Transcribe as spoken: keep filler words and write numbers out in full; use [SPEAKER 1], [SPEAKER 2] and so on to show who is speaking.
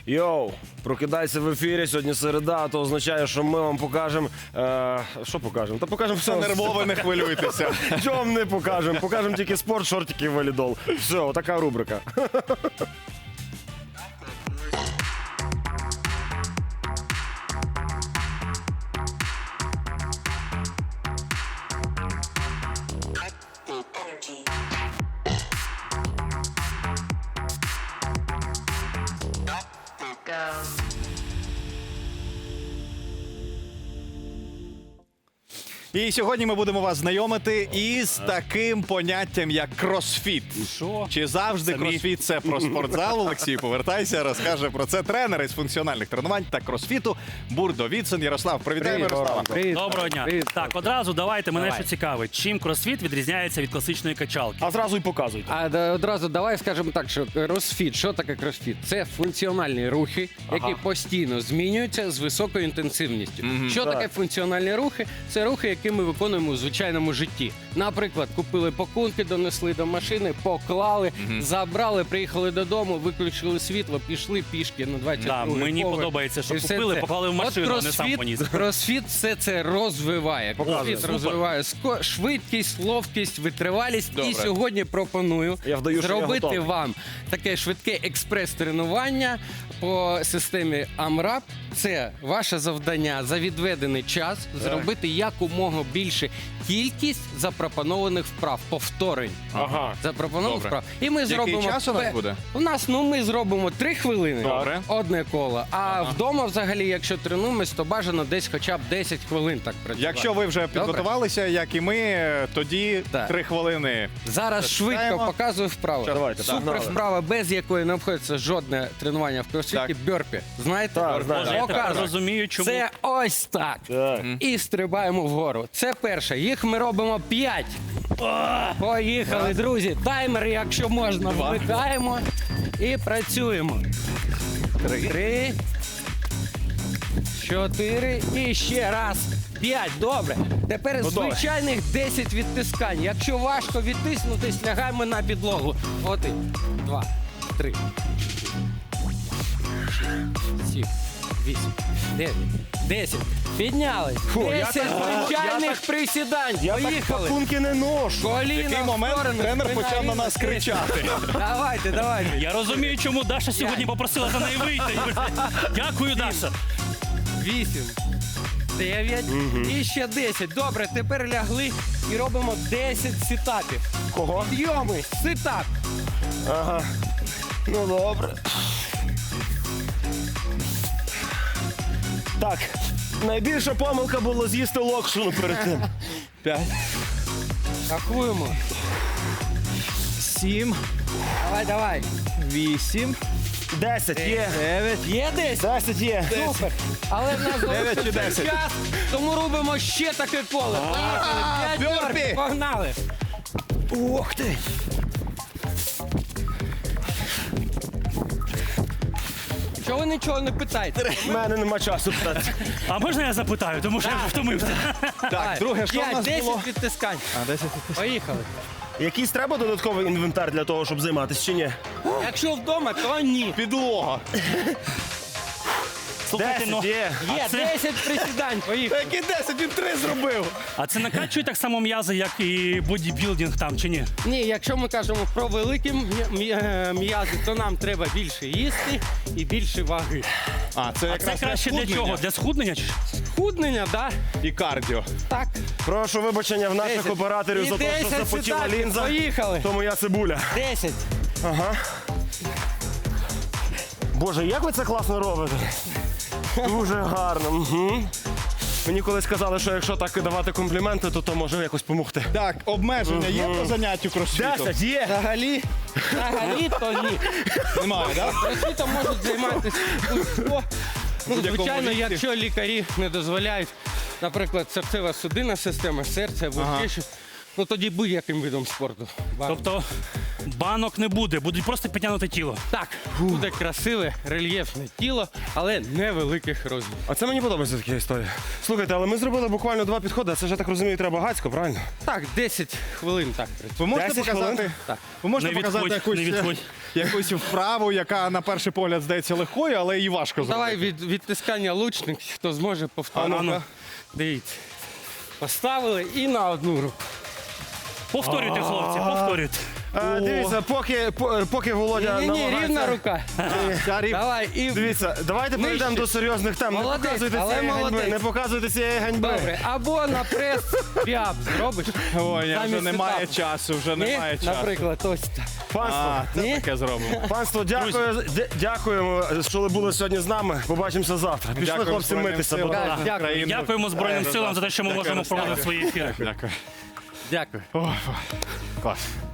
[SPEAKER 1] Йоу, прокидайся в ефірі, сьогодні середа, то означає, що ми вам покажемо... Е, що покажемо? Та покажемо все.
[SPEAKER 2] Нервово, не хвилюйтеся.
[SPEAKER 1] Чого не покажемо? Покажемо тільки спорт, шортики і валідол. Все, отака рубрика.
[SPEAKER 2] І сьогодні ми будемо вас знайомити із таким поняттям, як кросфіт.
[SPEAKER 3] Що?
[SPEAKER 2] Чи завжди
[SPEAKER 3] Самі.
[SPEAKER 2] кросфіт – це про спортзал? Олексій, повертайся, розкаже про це тренер із функціональних тренувань та кросфіту Бурдо Віцин. Ярослав, привітаємо Ярослава.
[SPEAKER 4] Привіт.
[SPEAKER 3] Доброго дня.
[SPEAKER 4] Привіт.
[SPEAKER 3] Так, одразу давайте мене
[SPEAKER 2] Давай.
[SPEAKER 3] що цікавить. Чим кросфіт відрізняється від класичної качалки?
[SPEAKER 1] А зразу й показуйте.
[SPEAKER 4] А да, одразу давай скажемо так, що кросфіт, що таке кросфіт? Це функціональні рухи, які постійно змінюються з високою інтенсивністю. Що
[SPEAKER 1] Так.
[SPEAKER 4] таке функціональні рухи? Це рухи, які ми виконуємо у звичайному житті. Наприклад, купили пакунки, донесли до машини, поклали, забрали, приїхали додому, виключили світло, пішли пішки на двадцять
[SPEAKER 3] Да,
[SPEAKER 4] другий
[SPEAKER 3] мені
[SPEAKER 4] поверх.
[SPEAKER 3] подобається, що
[SPEAKER 4] І все
[SPEAKER 3] купили,
[SPEAKER 4] це.
[SPEAKER 3] поклали в машину,
[SPEAKER 4] От
[SPEAKER 3] а не сам поніс.
[SPEAKER 4] кросфіт все це розвиває. Кросфіт
[SPEAKER 3] Супер.
[SPEAKER 4] розвиває ско- швидкість, ловкість, витривалість.
[SPEAKER 2] Добре.
[SPEAKER 4] І сьогодні пропоную
[SPEAKER 1] Я вдаю, що я
[SPEAKER 4] зробити
[SPEAKER 1] готовий.
[SPEAKER 4] вам таке швидке експрес-тренування по системі АМРАП. Це ваше завдання за відведений час зробити якомога більше кількість запропонованих вправ, повторень.
[SPEAKER 1] Ага.
[SPEAKER 4] Запропонованих
[SPEAKER 2] Добре.
[SPEAKER 4] вправ. І ми
[SPEAKER 2] Який
[SPEAKER 4] зробимо
[SPEAKER 2] час у нас
[SPEAKER 4] пе-
[SPEAKER 2] буде?
[SPEAKER 4] У нас ну ми зробимо три хвилини.
[SPEAKER 2] Добре.
[SPEAKER 4] Одне коло. А вдома, взагалі, якщо тренуємось, то бажано десь хоча б десять хвилин так працювати.
[SPEAKER 2] Якщо ви вже підготувалися, як і ми, тоді
[SPEAKER 4] Так.
[SPEAKER 2] три хвилини.
[SPEAKER 4] Зараз швидко
[SPEAKER 2] Читаємо.
[SPEAKER 4] показую вправу.
[SPEAKER 1] Давайте,
[SPEAKER 4] Супер
[SPEAKER 1] погнали.
[SPEAKER 4] вправа, без якої не обходиться жодне тренування в кросфіті.
[SPEAKER 2] Так.
[SPEAKER 4] Бьорпі. Знаєте?
[SPEAKER 1] Так, знаю.
[SPEAKER 3] Боже, я тепер
[SPEAKER 4] Показую.
[SPEAKER 3] розумію, чому.
[SPEAKER 4] Це ось так.
[SPEAKER 1] Так.
[SPEAKER 4] І стрибаємо вгору. Це перше. Їх ми робимо п'ять. Поїхали, друзі. Таймер, якщо можна, вмикаємо і працюємо. Три. Чотири. І ще раз. П'ять. Добре. Тепер
[SPEAKER 1] Готове.
[SPEAKER 4] звичайних десять відтискань. Якщо важко відтиснутись, лягаємо на підлогу. Один, два, три, сім, вісім, дев'ять, десять. Піднялись.
[SPEAKER 1] Фу, я
[SPEAKER 4] Десять
[SPEAKER 1] так-
[SPEAKER 4] звичайних
[SPEAKER 1] я так-
[SPEAKER 4] присідань.
[SPEAKER 1] Я так
[SPEAKER 4] Поїхали.
[SPEAKER 1] пакунки не ношу.
[SPEAKER 4] Коліна
[SPEAKER 2] В який
[SPEAKER 4] в
[SPEAKER 2] момент
[SPEAKER 4] сторону,
[SPEAKER 2] тренер
[SPEAKER 4] спина
[SPEAKER 2] почав на
[SPEAKER 4] рівна,
[SPEAKER 2] нас
[SPEAKER 4] десять.
[SPEAKER 2] кричати.
[SPEAKER 4] Давайте, давайте.
[SPEAKER 3] Я розумію, чому Даша сьогодні попросила за неї вийти. Дякую, Даша.
[SPEAKER 4] Вісім. Дев'ять. І ще десять. Добре, тепер лягли і робимо десять сітапів.
[SPEAKER 1] Кого?
[SPEAKER 4] Підйоми, ситап.
[SPEAKER 1] Ага. Ну добре. Так, найбільша помилка було з'їсти локшину перед тим.
[SPEAKER 2] П'ять,
[SPEAKER 4] Рахуємо.
[SPEAKER 2] сім,
[SPEAKER 4] Давай, давай.
[SPEAKER 2] вісім,
[SPEAKER 1] Десять є.
[SPEAKER 2] дев'ять.
[SPEAKER 4] Є десять?
[SPEAKER 1] Десять є.
[SPEAKER 4] Супер. Але в нас
[SPEAKER 2] Дев'ять чи
[SPEAKER 4] залишився
[SPEAKER 2] десять?
[SPEAKER 4] час, тому робимо ще таке коло. Поїхали. П'ять
[SPEAKER 2] бьорпі.
[SPEAKER 4] бьорпі. Погнали.
[SPEAKER 1] Ух ти.
[SPEAKER 4] Чого ви нічого не питаєте?
[SPEAKER 1] У мене нема часу питати.
[SPEAKER 3] А можна я запитаю, тому що я вже втомився.
[SPEAKER 2] Так, друге, що в нас
[SPEAKER 4] десять
[SPEAKER 2] було?
[SPEAKER 4] відтискань.
[SPEAKER 2] А, десять.
[SPEAKER 4] Поїхали.
[SPEAKER 1] Якийсь треба додатковий інвентар для того, щоб займатися, чи ні?
[SPEAKER 4] Якщо вдома, то ні.
[SPEAKER 2] Підлога.
[SPEAKER 3] Слухайте, ну,
[SPEAKER 1] Десять є.
[SPEAKER 4] Є
[SPEAKER 3] А це-
[SPEAKER 4] десять присідань. Поїхали.
[SPEAKER 2] Які десять? Він три зробив.
[SPEAKER 3] а це накачує так само м'язи, як і бодібілдинг там, чи ні?
[SPEAKER 4] Ні, якщо ми кажемо про великі м'я- м'я- м'язи, то нам треба більше їсти і більше ваги.
[SPEAKER 2] А, це
[SPEAKER 3] А
[SPEAKER 2] якраз
[SPEAKER 3] це краще для
[SPEAKER 2] схуднення
[SPEAKER 3] чого? Для схуднення? чи?
[SPEAKER 4] Худнення, так?
[SPEAKER 2] І кардіо.
[SPEAKER 4] Так.
[SPEAKER 1] Прошу вибачення в наших
[SPEAKER 4] Десять.
[SPEAKER 1] операторів
[SPEAKER 4] І
[SPEAKER 1] за те, що
[SPEAKER 4] десять
[SPEAKER 1] запотіла
[SPEAKER 4] сітапів.
[SPEAKER 1] лінза.
[SPEAKER 4] Поїхали.
[SPEAKER 1] То моя цибуля.
[SPEAKER 4] Десять.
[SPEAKER 1] Боже, як ви це класно робите? Дуже гарно. Угу. Мені колись казали, що якщо так давати компліменти, то то може якось допомогти.
[SPEAKER 2] Так, обмеження є по заняттю кросфітом?
[SPEAKER 1] Десять є!
[SPEAKER 4] Взагалі, взагалі то ні.
[SPEAKER 2] Немає, так?
[SPEAKER 4] Кросфітом можуть займатися будь-хто. Ну,
[SPEAKER 2] Будь-якому
[SPEAKER 4] звичайно,
[SPEAKER 2] віці.
[SPEAKER 4] якщо лікарі не дозволяють, наприклад, серцево-судинна система, серце або
[SPEAKER 2] Ага.
[SPEAKER 4] ще щось, ну тоді будь-яким видом спорту.
[SPEAKER 3] Тобто Банок не буде, будуть просто підтягнути тіло.
[SPEAKER 4] Так, буде красиве, рельєфне тіло, але невеликих розмірів.
[SPEAKER 1] А це мені подобається така історія. Слухайте, але ми зробили буквально два підходи, а це ж, я так розумію, треба гацько, правильно?
[SPEAKER 4] Так, десять хвилин так працює.
[SPEAKER 2] Ви можете
[SPEAKER 1] десять
[SPEAKER 2] показати,
[SPEAKER 1] хвилин?
[SPEAKER 4] Так.
[SPEAKER 2] ви можете
[SPEAKER 3] Не
[SPEAKER 2] показати
[SPEAKER 3] відходь,
[SPEAKER 2] якусь,
[SPEAKER 3] не відходь.
[SPEAKER 2] якусь вправу, яка на перший погляд здається легкою, але і важко зробити.
[SPEAKER 4] Давай від відтискання лучник, хто зможе повторити.
[SPEAKER 3] А ну.
[SPEAKER 4] Дивіться. Поставили і на одну руку.
[SPEAKER 3] Повторюйте, хлопці, повторюйте.
[SPEAKER 1] А, дивіться, поки, по- поки Володя
[SPEAKER 4] Ні, ні,
[SPEAKER 1] намагається-
[SPEAKER 4] рівна рука.
[SPEAKER 2] Ця рів-
[SPEAKER 4] Давай, і
[SPEAKER 1] Дивіться, давайте
[SPEAKER 4] Нижче.
[SPEAKER 1] перейдемо до серйозних тем. Не
[SPEAKER 4] Молодець,
[SPEAKER 1] показуйте
[SPEAKER 4] але
[SPEAKER 1] цієї ганьби.
[SPEAKER 4] молодець.
[SPEAKER 1] Не показуйте цієї ганьби.
[SPEAKER 4] добре. Або на прес п'яб зробиш.
[SPEAKER 2] Ой, я вже
[SPEAKER 4] Замість
[SPEAKER 2] немає
[SPEAKER 4] етапу.
[SPEAKER 2] часу, вже
[SPEAKER 4] Ні,
[SPEAKER 2] немає часу.
[SPEAKER 4] наприклад, ось так.
[SPEAKER 1] Панство,
[SPEAKER 2] А, це
[SPEAKER 4] Ні?
[SPEAKER 2] таке зробимо.
[SPEAKER 1] панство, дякую, дя- дякуємо, що ви були сьогодні з нами. Побачимося завтра. Пішли,
[SPEAKER 2] Дякую
[SPEAKER 1] хлопці,
[SPEAKER 2] Збройним
[SPEAKER 1] митися.
[SPEAKER 2] силам
[SPEAKER 1] будь ласка.
[SPEAKER 4] Так, дякую.
[SPEAKER 2] України.
[SPEAKER 3] Дякуємо Збройним силам за те, що ми
[SPEAKER 2] Дякую,
[SPEAKER 3] можемо
[SPEAKER 2] Руслане.
[SPEAKER 3] проводити свої ефіри.
[SPEAKER 2] Дякую.
[SPEAKER 4] Дякую.
[SPEAKER 2] Ой, клас.